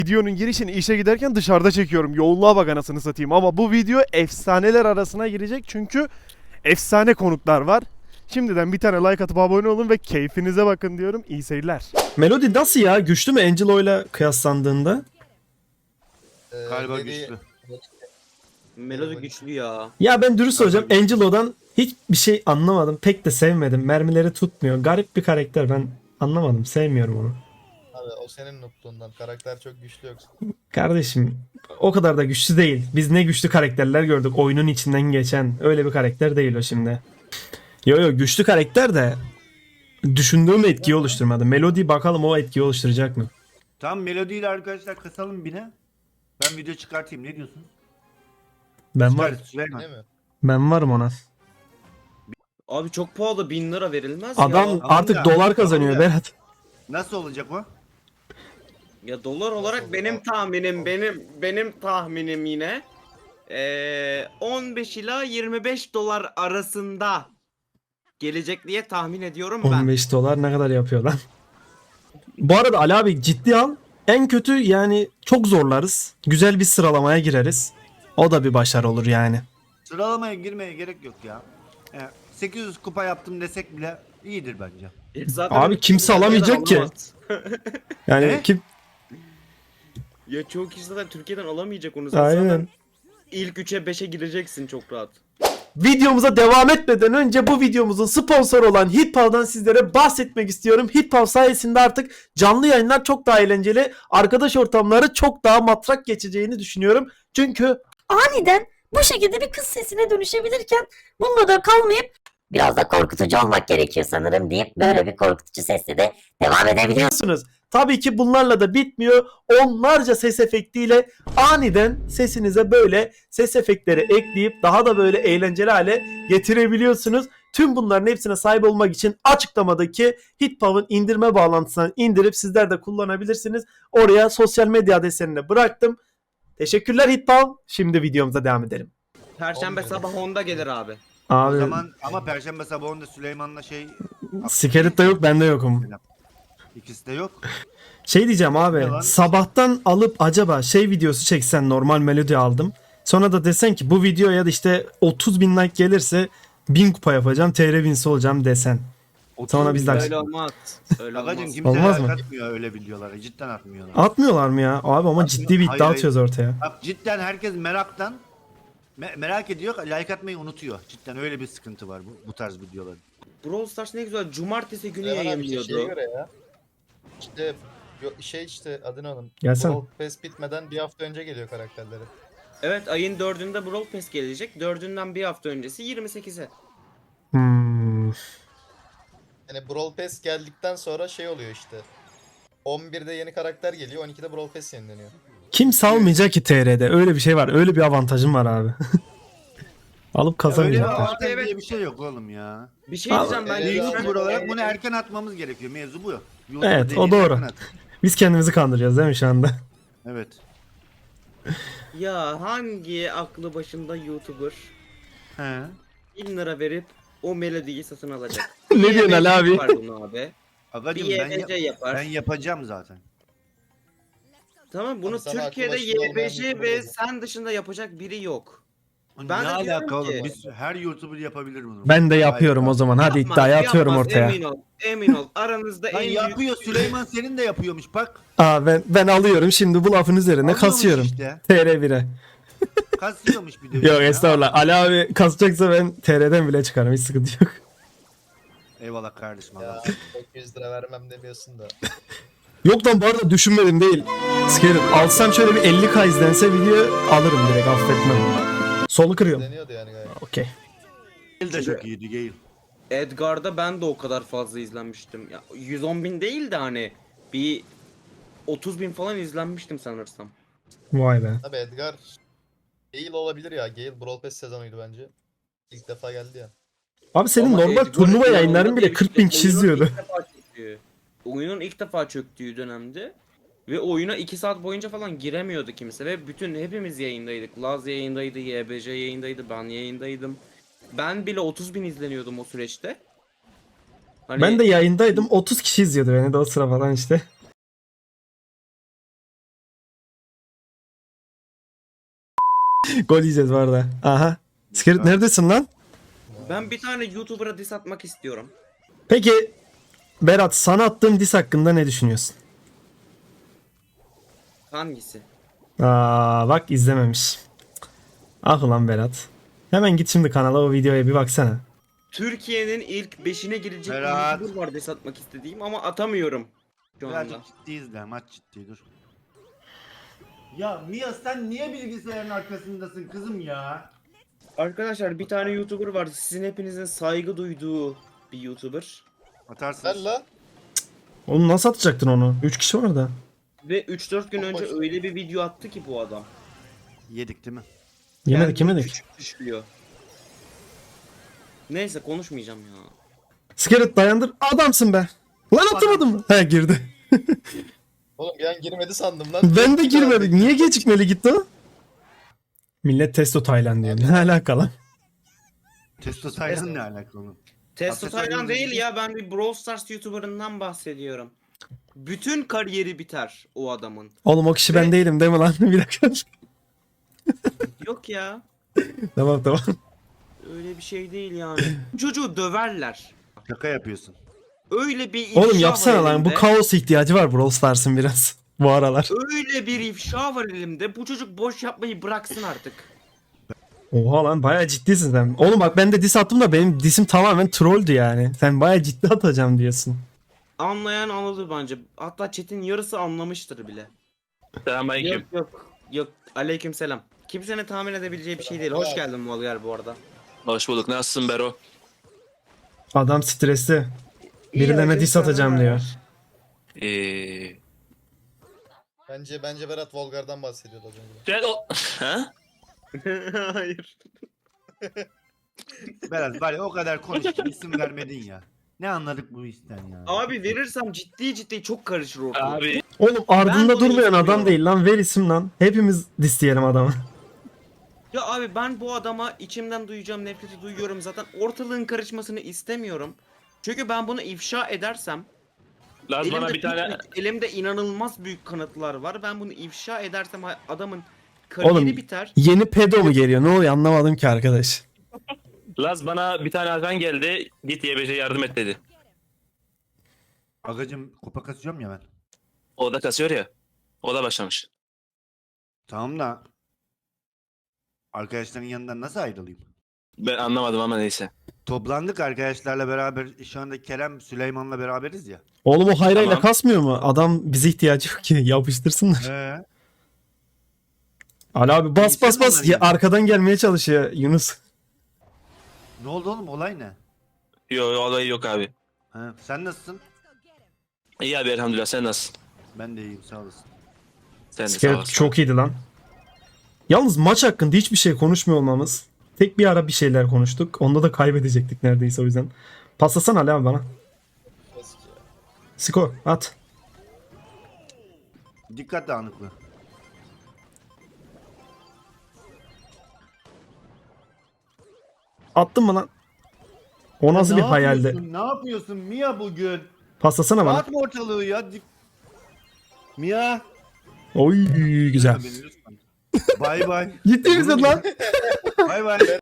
Videonun girişini işe giderken dışarıda çekiyorum. Yoğunluğa bak anasını satayım. Ama bu video efsaneler arasına girecek çünkü efsane konuklar var. Şimdiden bir tane like atıp abone olun ve keyfinize bakın diyorum. İyi seyirler. Melody nasıl ya? Güçlü mü Angelo'yla kıyaslandığında? Galiba Lady- güçlü. Melodi güçlü ya. Ya ben dürüst olacağım. Angelo'dan hiçbir şey anlamadım. Pek de sevmedim. Mermileri tutmuyor. Garip bir karakter. Ben anlamadım. Sevmiyorum onu. Abi o senin nutluğundan. Karakter çok güçlü yoksa. Kardeşim o kadar da güçlü değil. Biz ne güçlü karakterler gördük. Oyunun içinden geçen. Öyle bir karakter değil o şimdi. Yo güçlü karakter de düşündüğüm etkiyi oluşturmadı. Melody bakalım o etkiyi oluşturacak mı? Tam melodiyle arkadaşlar kasalım bine. Ben video çıkartayım. Ne diyorsun? Ben var. Çıkart Süleyman. Değil mi? Ben varım ona. Abi çok pahalı 1000 lira verilmez Adam ya. artık ya, dolar kazanıyor tamam ya. Berat. Nasıl olacak o? Ya dolar olarak Nasıl benim olur? tahminim benim tahminim yine 15 ila 25 dolar arasında gelecek diye tahmin ediyorum ben. 15 dolar ne kadar yapıyor lan? Bu arada Ali abi ciddi al. En kötü yani çok zorlarız. Güzel bir sıralamaya gireriz. O da bir başarı olur yani. Sıralamaya girmeye gerek yok ya. 800 kupa yaptım desek bile iyidir bence. Zaten Abi kimse alamayacak ki. alamaz. Yani Ne? kim? Ya çoğu kişi zaten Türkiye'den alamayacak onu. Sen Aynen. zaten ilk 3'e 5'e gireceksin çok rahat. Videomuza devam etmeden önce bu videomuzun sponsoru olan Hitpav'dan sizlere bahsetmek istiyorum. Hitpav sayesinde artık canlı yayınlar çok daha eğlenceli, arkadaş ortamları çok daha matrak geçeceğini düşünüyorum. Çünkü Aniden bu şekilde bir kız sesine dönüşebilirken bununla da kalmayıp biraz da korkutucu olmak gerekiyor sanırım deyip böyle bir korkutucu sesle de devam edebiliyorsunuz. biliyorsunuz tabii ki bunlarla da bitmiyor. Onlarca ses efektiyle aniden sesinize böyle ses efektleri ekleyip daha da böyle eğlenceli hale getirebiliyorsunuz. Tüm bunların hepsine sahip olmak için açıklamadaki Hitpav'ın indirme bağlantısından indirip sizler de kullanabilirsiniz. Oraya sosyal medya adreslerini bıraktım. Teşekkürler Hitpav. Şimdi videomuza devam edelim. Perşembe Olmuyor. sabah 10'da gelir abi. Abi O zaman ama Perşembe sabahında Süleyman'la Skelet de yok, ben de yokum. ikisi de yok. Şey diyeceğim Ne abi, lan? sabahtan alıp acaba şey videosu çeksen, normal melodi aldım. Sonra da desen ki bu videoya da işte 30 bin like gelirse 1000 kupa yapacağım, TR winsi olacağım desen. Sonra biz de Öyle olmaz. Öyle Agacım olmaz. kimse Olmaz mı? atmıyor öyle videolara. Cidden atmıyorlar. Atmıyorlar mı ya? Abi ama ciddi bir iddia Hayır, atıyoruz ortaya. Bak cidden herkes meraktan merak ediyor, like atmayı unutuyor. Cidden öyle bir sıkıntı var bu tarz videoların. Brawl Stars ne güzel cumartesi günü Süleyman abi işte şeye yayınlıyordu. göre ya. İşte işte adını alın. Gelsene. Brawl Pass bitmeden bir hafta önce geliyor karakterleri. Evet ayın 4'ünde Brawl Pass gelecek. 4'ünden bir hafta öncesi 28'e. Yani Brawl Pass geldikten sonra şey oluyor işte. 11'de yeni karakter geliyor, 12'de Brawl Pass yenileniyor. Kim salmayacak ki TR'de? Öyle bir şey var. Öyle bir avantajım var abi. Alıp Öyle bir kazamayacaklar. avantaj Evet. diye bir şey yok oğlum ya. Bir şey Abi, diyeceğim ben. evet, YouTuber abi. olarak bunu erken atmamız gerekiyor. Mevzu bu. YouTuber Evet, o dediğin doğru. erken at. Biz kendimizi kandırıyoruz değil mi şu anda? Evet. Ya hangi aklı başında YouTuber He. 1000 lira verip o melodiyi satın alacak? Ne diyorsun Ali abi? Var bunu abi. Agacım Bir ben, YBC yapar. ben yapacağım zaten. Tamam bunu Abi sana Türkiye'de aklı başında olmayan YBC YouTuber ve olur. sen dışında yapacak biri yok. Ben Ben ne de diyorum alaka oğlum? ki- Biz her YouTuber yapabilir bunu. Ben de yapıyorum o Hayır. zaman. Hadi Yapmaz, iddiayı atıyorum yapmaz, ortaya. Emin ol. Emin ol. Aranızda Lan en yapıyor. büyük... Süleyman senin de yapıyormuş bak. Aa ben alıyorum şimdi bu lafın üzerine Alıyormuş kasıyorum. işte. TR 1'e. Kasıyormuş bir de. Yok ya. estağfurullah. Ali abi kasacaksa ben TR'den bile çıkarım. Hiç sıkıntı yok. Eyvallah kardeşim. Ya Allah. 900 lira vermem demiyorsun da. Yok lan bu arada düşünmedim değil. Sikerim. Alsam şöyle bir 50k izlense video alırım direkt, affetmem. Solu kırıyorum. Deniyordu yani gayet. Okey. Gale de çok iyiydi Gale. Edgar'da ben de o kadar fazla izlenmiştim. Ya 110 bin değil de hani bir 30 bin falan izlenmiştim sanırsam. Vay be. Abi Edgar Gale olabilir ya. Gale Brawl Pass sezonuydu bence. İlk defa geldi ya. Abi senin Ama normal Edgar turnuva inanılmaz yayınların bile bir 40 bin kişi oyunun izliyordu. ilk defa çöktüğü- Oyunun ilk defa çöktüğü dönemde ve oyuna 2 saat boyunca falan giremiyordu kimse ve hepimiz yayındaydık. Laz yayındaydı, YBC yayındaydı, ben yayındaydım. Ben bile 30 bin izleniyordum o süreçte. Hani Ben de yayındaydım. 30 kişi izliyordu beni de o sıra falan işte. Gol yiyeceğiz bu arada. Aha. Skirt neredesin lan? Ben bir tane YouTuber'a diss atmak istiyorum. Peki Berat, sana attığım diss hakkında ne düşünüyorsun? Hangisi? Aa bak, izlememiş. Ah ulan Berat. Hemen git şimdi kanala, o videoya bir baksana. Türkiye'nin ilk 5'ine girecek bir Berat. YouTuber var diss atmak istediğim ama atamıyorum şu anda. Birazcık ciddi izle. Maç ciddi dur. Ya Mia sen niye bilgisayarın arkasındasın kızım ya? Arkadaşlar bir tane YouTuber var. Sizin hepinizin saygı duyduğu bir YouTuber. Atarsın. Ver la. Oğlum nasıl atacaktın onu? 3 kişi var orada. Ve 3-4 gün önce Boş. öyle bir video attı ki bu adam. Yedik değil mi? Yemedik Kendini yemedik. küçük düşürüyor. Neyse konuşmayacağım ya. Skirt dayandır. Adamsın be. Lan atamadım mı? He, girdi. Oğlum bir an girmedi sandım lan. Ben de girmedik. Niye gecikmeli gitti o? Millet testo Tayland diyor. Ne alakalı? Testo Taylan ne alakalı? Testo Aslında Taylan söylediğim değil ya, ben bir Brawl Stars YouTuber'ından bahsediyorum. Bütün kariyeri biter o adamın. Oğlum o kişi ben değilim değil mi lan? Bir dakika. Yok ya. Tamam tamam. Öyle bir şey değil yani. Çocuğu döverler. Şaka yapıyorsun. Öyle bir ifşa Oğlum var yapsana lan. Bu elimde. kaos ihtiyacı var Brawl Stars'ın biraz. Bu aralar. Öyle bir ifşa var elimde. Bu çocuk boş yapmayı bıraksın artık. Oha lan, bayağı ciddisin sen. Oğlum bak, ben de diss attım da benim dissim tamamen trolldü yani. Sen bayağı ciddi atacağım diyorsun. Anlayan anladı bence. Hatta chat'in yarısı anlamıştır bile. Selamünaleyküm. Yok yok. Yok. Aleykümselam. Kimsenin tahmin edebileceği bir şey değil. Hoş geldin Molgar bu arada. Hoş bulduk. Nasılsın Bero? Adam stresli. Birilerine diss atacağım diyor. Ee, Bence Berat Volgar'dan bahsediyordu az önce. sen o... Ha? Hayır. Berat var ya, o kadar konuştun isim vermedin ya. Ne anladık bu işten ya? Abi verirsem ciddi çok karışır ortalık. Abi Oğlum Ben ardında bunu durmayan adam istemiyorum. değil lan. Ver isim lan. Hepimiz diss diyelim adama. Ya abi ben bu adama içimden duyacağım nefreti duyuyorum zaten. Ortalığın karışmasını istemiyorum. Çünkü ben bunu ifşa edersem Laz bana bir tane... elimde inanılmaz büyük kanıtlar var. Ben bunu ifşa edersem adamın kariyeri Oğlum, biter. Yeni pedo mu geliyor? Ne oluyor anlamadım ki arkadaş. Laz bana bir tane Hakan geldi. Git YBC'ye yardım et dedi. Agacım kupa kasıyorum ya ben. O da kasıyor ya. O da başlamış. Tamam da arkadaşların yanından nasıl ayrılayım? Ben anlamadım ama neyse. Toplandık arkadaşlarla beraber, şu anda Kerem Süleyman'la beraberiz ya. Oğlum o hayrayla Tamam. kasmıyor mu? Adam bize ihtiyacı yok ki. Yapıştırsınlar. Ali abi bas bas bas. Ya, arkadan gelmeye çalışıyor Yunus. Ne oldu oğlum, olay ne? Yok olayı yok abi. Ha, sen nasılsın? İyi abi elhamdülillah, sen nasılsın? Ben de iyiyim, sağ olasın. Sen de sağ Skirt olasın. çok iyiydi lan. Yalnız maç hakkında hiçbir şey konuşmuyor olmamız. Tek bir ara bir şeyler konuştuk. Onda da kaybedecektik neredeyse, o yüzden. Paslasana Ali abi bana. Eski ya. Skor at. Dikkat dağınıklığı. Attın mı lan? O nasıl bir Ne hayaldi? yapıyorsun? Ne yapıyorsun Mia bugün? Paslasana bana. Dağıtma ortalığı ya. Mia. Oy güzel. Beni lütfen. Bay bay. Ciddi misin lan? Bay bay.